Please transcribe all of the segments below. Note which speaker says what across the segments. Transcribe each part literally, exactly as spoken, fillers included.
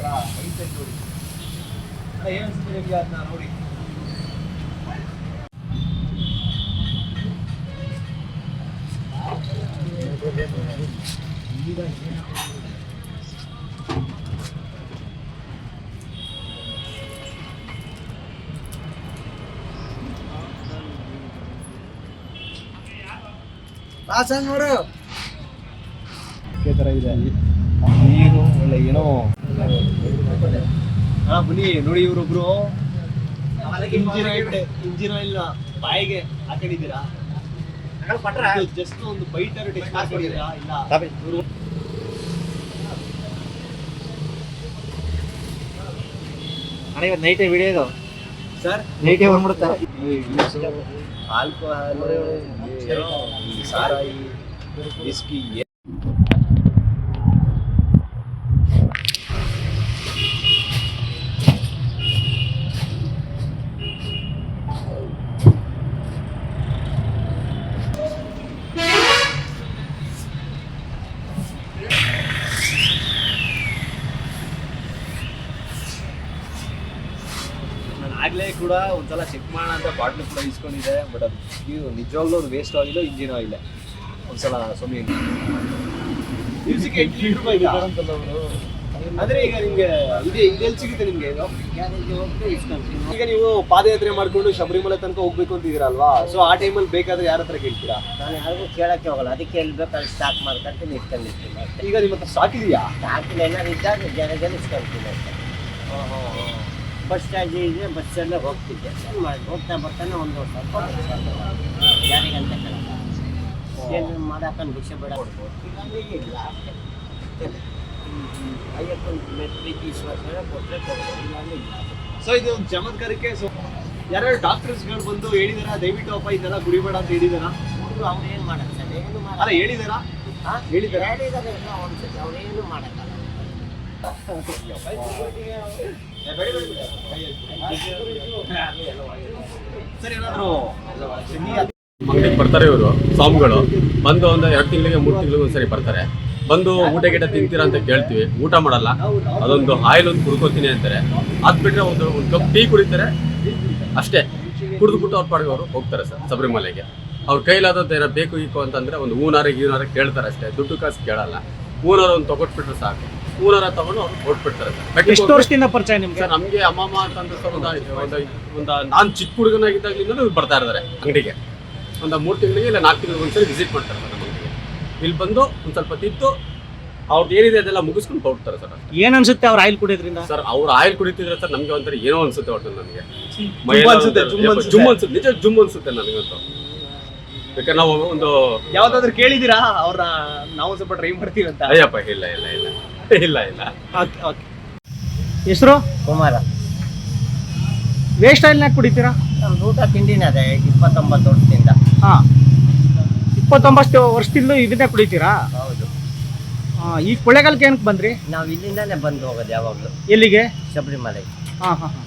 Speaker 1: ಇದೆಯಲ್ಲ ಮೈಂಡ್ ನೋಡಿ ಏನು ಅನ್ಸುತ್ತೆ ನಿಮಗೆ ಅದನ್ನ ನೋಡಿ. ನೋಡು ತರ ಇದೆ ನೀರು ಒಳ್ಳೆ ಏನೋ. ಹಾ ಬನ್ನಿ ನೋಡಿ ಇವ್ರೊಬ್ರು ಇಂಜಿನ್ ಆಯಿಲ್ ಇಂಜಿನ್ ಆಯಿಲ್ ಬಾಯಿಗೆ ಹಾಕೊಂಡಿದ್ದೀರಾ, ಜಸ್ಟ್ ಒಂದು ಬೈಟರ್ ಟೆಸ್ಟ್ ಹಾಕೊಂಡಿದ್ದೀರಾ ಇಲ್ಲ?
Speaker 2: ಅಣ್ಣ ಇವತ್ತು ನೈಟೇ ವಿಡಿಯೋ ಇದು
Speaker 1: ಸರ್,
Speaker 2: ನೈಟೇ ಬಂದ್ಬಿಡುತ್ತಾ?
Speaker 1: ಆಲ್ಕೋಹಾಲ್, ಸಾರಾಯಿ, ವಿಸ್ಕಿ ಆಗ್ಲೇ ಕೂಡ ಒಂದ್ಸಲ ಚೆಕ್ ಮಾಡೋಣ ಅಂತ ಬಾಟ್ಲು ಕೂಡ ಇಸ್ಕೊಂಡಿದೆ. ಬಟ್ ಅದು ಇದು ನಿಜವಾಗ್ಲೂ ಅದು ವೇಸ್ಟ್ ಆಯಿಲ್ಲ, ಇಂಜಿನ್ ಆಯಿಲ್ ಒಂದ್ಸಲ ಸೊಮ್ಮೆ ದಿವಸಕ್ಕೆ ಎಂಟು ಲೀಟರ್ ರೂಪಾಯಿ ಅಂತಲ್ಲ ಅವರು. ಅಂದ್ರೆ ಈಗ ನಿಮ್ಗೆ ಇದೆ ಇದೆಲ್ಲಿ ಸಿಗುತ್ತೆ ನಿಮ್ಗೆ ಇದು? ಈಗ ನೀವು ಪಾದಯಾತ್ರೆ ಮಾಡ್ಕೊಂಡು ಶಬರಿಮಲೆ ತನಕ ಹೋಗ್ಬೇಕು ಅಂತಿದ್ದೀರಲ್ವಾ, ಸೊ ಆ ಟೈಮಲ್ಲಿ ಬೇಕಾದ್ರೆ ಯಾರ ಹತ್ರ ಕೇಳ್ತೀರಾ?
Speaker 2: ನಾನು ಯಾರಿಗೂ ಕೇಳಕ್ಕೆ ಹೋಗಲ್ಲ, ಅದಕ್ಕೆ ಹೇಳ್ಬೇಕಾದ್ರೆ ಸ್ಟಾಕ್ ಮಾಡ್ಕೊಂತೀನಿ, ಇಟ್ಕೊಂಡಿರ್ತೀನಿ ಅಷ್ಟೇ.
Speaker 1: ಈಗ ನಿಮ್ಮ ಹತ್ರ ಸ್ಟಾಕ್ ಇದೆಯಾ?
Speaker 2: ಸ್ಟಾಕಿಲ್ಲ, ಏನಾದ್ರು ಇದ್ದಾಗ ಜನ ಜನ ಇಸ್ಕೊಂತೀನಿ ಅಷ್ಟೇ. ಬಸ್ ಸ್ಟ್ಯಾಂಡ್ ಇದೆ, ಬಸ್ ಸ್ಟ್ಯಾಂಡೇ ಹೋಗ್ತಿದ್ದೆ, ಏನು ಮಾಡಿ ಹೋಗ್ತಾ ಬರ್ತಾನೆ ಒಂದು ಸ್ವಲ್ಪ ಯಾರಿಗಂತ ಕೇಳಲ್ಲ, ಏನು ಮಾಡಾಕೊಂಡು ಭಿಕ್ಷೆ ಬೇಡ ಕೊಡ್ಬೋದು, ಇಲ್ಲ ಅಷ್ಟೇ. ಅಯ್ಯಪ್ಪನ ಪ್ರೀತಿ ವಿಶ್ವಾಸ ಕೊಟ್ಟರೆ ಕೊಡ್ಬೋದು, ಇಲ್ಲಾಂದ್ರೆ ಇಲ್ಲ.
Speaker 1: ಸೊ ಇದು ಒಂದು ಚಮತ್ಕಾರಕ್ಕೆ ಸೊ ಯಾರ್ಯಾರು ಡಾಕ್ಟರ್ಸ್ಗಳು ಬಂದು ಹೇಳಿದಾರ ದಯವಿಟ್ಟು ಅಪ್ಪ ಇದೆಲ್ಲ ಕುಡಿಬೇಡ ಅಂತ ಹೇಳಿದಾರ?
Speaker 2: ಅವ್ರು ಏನು ಮಾಡಕ್ಕೆ ಸರ್, ಏನು
Speaker 1: ಅಲ್ಲ
Speaker 2: ಮಾಡಲ್ಲ.
Speaker 1: ಹೇಳಿದಾರಾ?
Speaker 2: ಹಾಂ
Speaker 1: ಹೇಳಿದಾರೆ
Speaker 2: ಹೇಳಿದ್ದಾರೆ ಒಂದ್ಸತಿ, ಅವ್ರು ಏನು ಮಾಡಕ್ಕಲ್ಲ.
Speaker 1: ಸರ್ ಏನಾದ್ರು
Speaker 3: ಅಂಗಡಿಗೆ ಬರ್ತಾರೆ ಇವರು ಸ್ವಾಮಿಗಳು, ಬಂದು ಒಂದು ಎರಡು ತಿಂಗಳಿಗೆ ಮೂರು ತಿಂಗಳಿಗೆ ಒಂದ್ಸರಿ ಬರ್ತಾರೆ. ಬಂದು ಊಟ ಗೀಟ ತಿಂತೀರಾ ಅಂತ ಕೇಳ್ತೀವಿ, ಊಟ ಮಾಡಲ್ಲ. ಅದೊಂದು ಆಯಿಲ್ ಒಂದು ಕುಡ್ಕೋತೀನಿ ಅಂತಾರೆ, ಅದು ಬಿಟ್ಟರೆ ಒಂದು ಒಂದು ಕಪ್ ಟೀ ಕುಡಿತಾರೆ ಅಷ್ಟೇ. ಕುಡಿದ್ಬಿಟ್ಟು ಅವ್ರ ಪಾಡಿಗೆ ಅವರು ಹೋಗ್ತಾರೆ ಸರ್ ಶಬರಿಮಲೆಗೆ. ಅವ್ರ ಕೈಲಾದದ್ದು ಏನೋ ಬೇಕು ಈಕು ಅಂತಂದರೆ ಒಂದು ಹೂನಾರ ಗೀನಾರ ಕೇಳ್ತಾರೆ ಅಷ್ಟೇ, ದುಡ್ಡು ಕಾಸು ಕೇಳಲ್ಲ. ಹೂನಾರ ಒಂದು ತೊಗೊಟ್ಬಿಟ್ರೆ ಸಾಕು, ಹೂನಾರ ತಗೊಂಡು ಅವ್ರು ಹೊಟ್ಬಿಡ್ತಾರೆ ಸರ್.
Speaker 4: ಎಷ್ಟು ವರ್ಷದಿಂದ ಪರಿಚಯ ನಿಮ್ಗೆ?
Speaker 3: ಸರ್ ನಮಗೆ ಅಮ್ಮಮ್ಮ ಅಂತಂದ್ರೆ ಸರ್ ಒಂದು ಒಂದು ನಾನು ಚಿಕ್ಕ ಹುಡುಗನಾಗಿದ್ದಾಗಲಿಂದ ಬರ್ತಾ ಇದ್ದಾರೆ ಅಂಗಡಿಗೆ. ಒಂದು ಮೂರು ತಿಂಗಳಿಗೆ ಇಲ್ಲ ನಾಲ್ಕು ತಿಂಗಳಿಗೆ ಒಂದ್ಸರಿ ವಿಸಿಟ್ ಮಾಡ್ತಾರೆ ಸರ್ ನಮಗೆ. ಇಲ್ಲಿ ಬಂದು ಒಂದು ಸ್ವಲ್ಪ ತಿದ್ದು ಅವ್ರದ್ದು ಏನಿದೆ ಅದೆಲ್ಲ ಮುಗಿಸ್ಕೊಂಡು ಹೋಗ್ತಾರೆ ಸರ್.
Speaker 4: ಏನ್ ಅನ್ಸುತ್ತೆ ಅವ್ರ ಆಯಿಲ್ ಕುಡಿಯೋದ್ರಿಂದ?
Speaker 3: ಸರ್ ಅವ್ರು ಆಯಿಲ್ ಕುಡಿತಿದ್ರೆ ಸರ್ ನಮಗೆ ಒಂಥರ ಏನೋ ಅನ್ಸುತ್ತೆ ಒಟ್ಟು ನನಗೆ,
Speaker 1: ಅನ್ಸುತ್ತೆ,
Speaker 3: ಜುಮ್ ಅನ್ಸುತ್ತೆ, ನಿಜ ಜುಮ್ ಅನ್ಸುತ್ತೆ ನನಗಂತೂ. ಬೇಕಾದ್ರೆ ನಾವು ಒಂದು
Speaker 1: ಯಾವ್ದಾದ್ರು ಕೇಳಿದೀರಾ ಅವ್ರ ನಾವು ಸ್ವಲ್ಪ ಟ್ರೈ ಮಾಡ್ತೀವಿ ಅಂತ?
Speaker 3: ಅಯ್ಯಪ್ಪ ಇಲ್ಲ ಇಲ್ಲ ಇಲ್ಲ ಇಲ್ಲ ಇಲ್ಲ.
Speaker 4: ಹೆಸರು
Speaker 2: ಕುಮಾರ.
Speaker 4: ವೇಸ್ಟ್ ಆಯಿಲ್ನಾಗ ಕುಡಿತೀರಾ?
Speaker 2: ನಮ್ದು ಊಟ ತಿಂಡಿನೇ ಅದೇ ಇಪ್ಪತ್ತೊಂಬತ್ತು ವರ್ಷದಿಂದ.
Speaker 4: ಹಾ, ಇಪ್ಪತ್ತೊಂಬತ್ತು ವರ್ಷದಿಂದ ಇದನ್ನೇ ಕುಡಿತೀರಾ?
Speaker 2: ಹೌದು.
Speaker 4: ಈ ಕೊಳ್ಳೇಗಾಲಕ್ಕೆ ಏನಕ್ಕೆ ಬಂದ್ರಿ?
Speaker 2: ನಾವು ಇಲ್ಲಿಂದಾನೇ ಬಂದು ಹೋಗೋದು ಯಾವಾಗಲೂ.
Speaker 4: ಎಲ್ಲಿಗೆ?
Speaker 2: ಶಬರಿಮಲೆ.
Speaker 4: ಹಾ ಹಾ ಹಾ.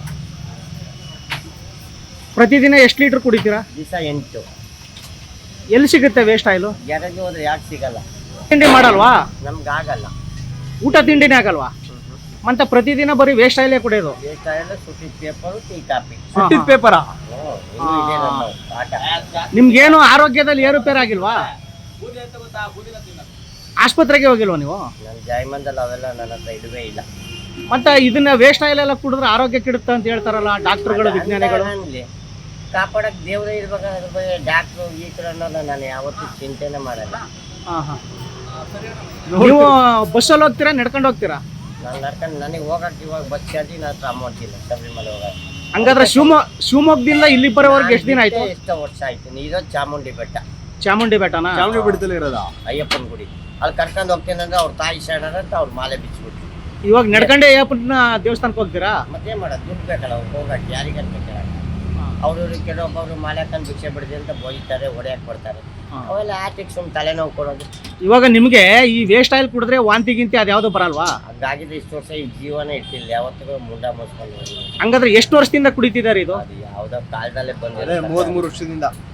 Speaker 4: ಪ್ರತಿದಿನ ಎಷ್ಟು ಲೀಟರ್ ಕುಡಿತೀರಾ?
Speaker 2: ದಿವಸ ಎಂಟು.
Speaker 4: ಎಲ್ಲಿ ಸಿಗುತ್ತೆ ವೇಸ್ಟ್ ಆಯಿಲು?
Speaker 2: ಗ್ಯಾರೇಜ್ ಹೋದ್ರೆ ಯಾಕೆ ಸಿಗಲ್ಲ?
Speaker 4: ತಿಂಡಿ ಮಾಡಲ್ವಾ?
Speaker 2: ನಮ್ಗೆ ಆಗಲ್ಲ.
Speaker 4: ಊಟ ತಿಂಡಿನೇ ಆಗಲ್ವಾ? ಮತ್ತೆ ಪ್ರತಿದಿನ ಬರೀ ವೇಸ್ಟ್ ಆಯಿಲೇ ಕುಡಿಯೋದು?
Speaker 2: ವೇಸ್ಟ್ ಆಯಿಲ್, ಸುಟ್ಟಿದ ಪೇಪರು, ಟೀ ಕಾಫಿ.
Speaker 1: ಸುಟ್ಟಿದ ಪೇಪರ?
Speaker 2: ಇನ್ನೂ ಇದೆ ನಮ್ಮ ಆಟ.
Speaker 4: ನಿಮ್ಗೇನು ಆರೋಗ್ಯದಲ್ಲಿ ಏರುಪೇರು ಆಗಿಲ್ವಾ? ಆಸ್ಪತ್ರೆಗೆ ಹೋಗಿಲ್ವಾ ನೀವು?
Speaker 2: ನನ್ನ ಜಾಯಮಂದಲ್ಲಿ ಅವೆಲ್ಲ ನನ್ನ ಹತ್ರ ಇಡುವೇ ಇಲ್ಲ.
Speaker 4: ಮತ್ತೆ ಇದನ್ನ ವೇಸ್ಟ್ ಆಯಿಲ್ ಎಲ್ಲ ಕುಡಿದ್ರೆ ಆರೋಗ್ಯ ಕೆಡುತ್ತೆ ಅಂತ ಹೇಳ್ತಾರಲ್ಲ ಡಾಕ್ಟರ್ಗಳು, ವಿಜ್ಞಾನಿಗಳು.
Speaker 2: ಅನ್ಲಿ, ಕಾಪಾಡಕ್ ದೇವ್ರೇ ಇರ್ಬೇಕಾದ್ರೆ ಬಗ್ಗೆ ಡಾಕ್ಟ್ರು ಈ ಥರ ಅನ್ನೋದು ನಾನು ಯಾವತ್ತೂ ಚಿಂತೆನೆ ಮಾಡಲ್ಲ.
Speaker 4: ಹಾ ಹಾ. ನೀವು ಬಸ್ಸಲ್ಲಿ ಹೋಗ್ತೀರಾ ನಡ್ಕೊಂಡು ಹೋಗ್ತೀರಾ?
Speaker 2: ನಾನು ನಡ್ಕೊಂಡು ನನಗೆ ಹೋಗಕ್ಕೆ ಇವಾಗ ಬಸ್ ಚಾರ್ಜಿ ನನ್ನ ಹತ್ರ ಅಮೌಂಟ್ ಇಲ್ಲ ಶಬರಿಮಲೆ ಹೋಗಕ್ಕೆ.
Speaker 4: ಹಂಗಾದ್ರೆ ಶಿವಮೊಗ್ಗ ಶಿವಮೊಗ್ಗದಿಂದ ಇಲ್ಲಿ ಬರೋವರೆಗೆ ಎಷ್ಟು ದಿನ ಆಯ್ತು?
Speaker 2: ಎಷ್ಟೋ ವರ್ಷ ಆಯ್ತು. ಇರೋದು ಚಾಮುಂಡಿ ಬೆಟ್ಟ.
Speaker 4: ಚಾಮುಂಡಿ ಬೆಟ್ಟನಾ?
Speaker 1: ಚಾಮುಂಡಿ ಬೆಟ್ಟದಲ್ಲಿ ಇರೋದಾ?
Speaker 2: ಅಯ್ಯಪ್ಪನ ಗುಡಿ. ಅಲ್ಲಿ ಕರ್ಕೊಂಡು ಹೋಗ್ತೀನಿ ಅಂದ್ರೆ ಅವ್ರ ತಾಯಿ ಶರಣ ಅಂತ ಅವ್ರ ಮಾಲೆ ಬಿಚ್ಚಿಬಿಟ್ಟು.
Speaker 4: ಇವಾಗ ನಡ್ಕೊಂಡೆ ಅಯ್ಯಪ್ಪನ ದೇವಸ್ಥಾನಕ್ಕೆ ಹೋಗ್ತೀರಾ?
Speaker 2: ಮತ್ತೆ ಮಾಡೋದು ದುಡ್ಡು ಬೇಕಲ್ಲ ಅವ್ರು ಹೋಗಕ್ಕೆ, ಯಾರಿಗಂತ ಕೇಳಕ್ಕೆ. ಅವ್ರವ್ರು ಕೆಲವೊಬ್ಬರು ಮಾಲೆ ಹಾಕೊಂಡು ಭಿಕ್ಷೆ ಬಿಡದೆ ಅಂತ ಬೋಯ್ತಾರೆ, ಹೊಡೆಯಕ್ಕೆ ಬರ್ತಾರೆ. ಅವೆಲ್ಲ ಆಟಿಗೆ ಸುಮ್ಮನೆ ತಲೆನೋವು ಕೊಡೋದು.
Speaker 4: ಇವಾಗ ನಿಮಗೆ ಈ ವೇಸ್ಟ್ ಆಯಿಲ್ ಕುಡಿದ್ರೆ ವಾಂತಿ ಗಿಂತಿ ಅದ್ಯಾವುದು ಬರಲ್ವಾ?
Speaker 2: ಹಂಗಾಗಿದ್ರೆ ಇಷ್ಟು ವರ್ಷ ಈ ಜೀವನ ಇಟ್ಟಿಲ್ಲ, ಯಾವತ್ತಿಗೂ ಮುಂಡ ಮುಚ್ಕೊಂಡು.
Speaker 4: ಹಂಗಾದ್ರೆ ಎಷ್ಟು ವರ್ಷದಿಂದ ಕುಡಿತಿದ್ದಾರೆ ಇದು?
Speaker 2: ಅದು ಯಾವುದೋ ಕಾಲದಲ್ಲೇ ಬಂದಿದೆ.
Speaker 1: ಮೂವತ್ಮೂರು ವರ್ಷದಿಂದ